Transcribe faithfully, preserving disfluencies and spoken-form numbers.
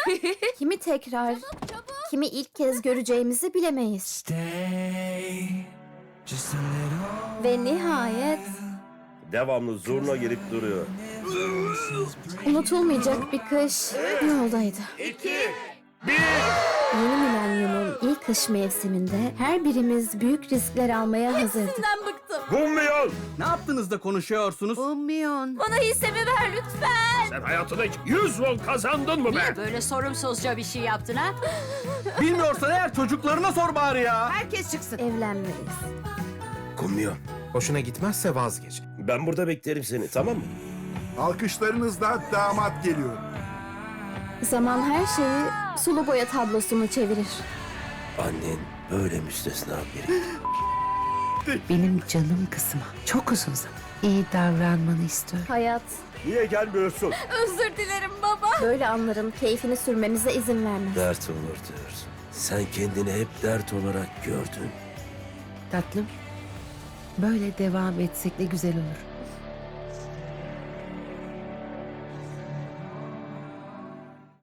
Kimi tekrar, kimi ilk kez göreceğimizi bilemeyiz. Stay just a little. Ve nihayet Devamlı zurna gelip duruyor. unutulmayacak bir kış yoldaydı. Yeni milenyumun ilk kış mevsiminde her birimiz büyük riskler almaya hazırdık. Gummiyon! Ne yaptınız da konuşuyorsunuz? Bana hissemi ver lütfen. Sen hayatında hiç yüz won kazandın mı be? Niye böyle sorumsuzca bir şey yaptın ha? Bilmiyorsan eğer çocuklarına sor bari ya. Evlenmeliyiz. Gummiyon. Hoşuna gitmezse vazgeç. Ben burada beklerim seni, tamam mı? Alkışlarınızla damat geliyor. Zaman her şeyi sulu boya tablosunu çevirir. Annen böyle müstesna biri. Benim canım kızıma çok uzun zaman iyi davranmanı istiyorum. Hayat Niye gelmiyorsun? özür dilerim baba. Böyle anların keyfini sürmemize izin vermez. Dert olur diyorsun. Sen kendini hep dert olarak gördün. Tatlım, böyle devam etsek ne güzel olur.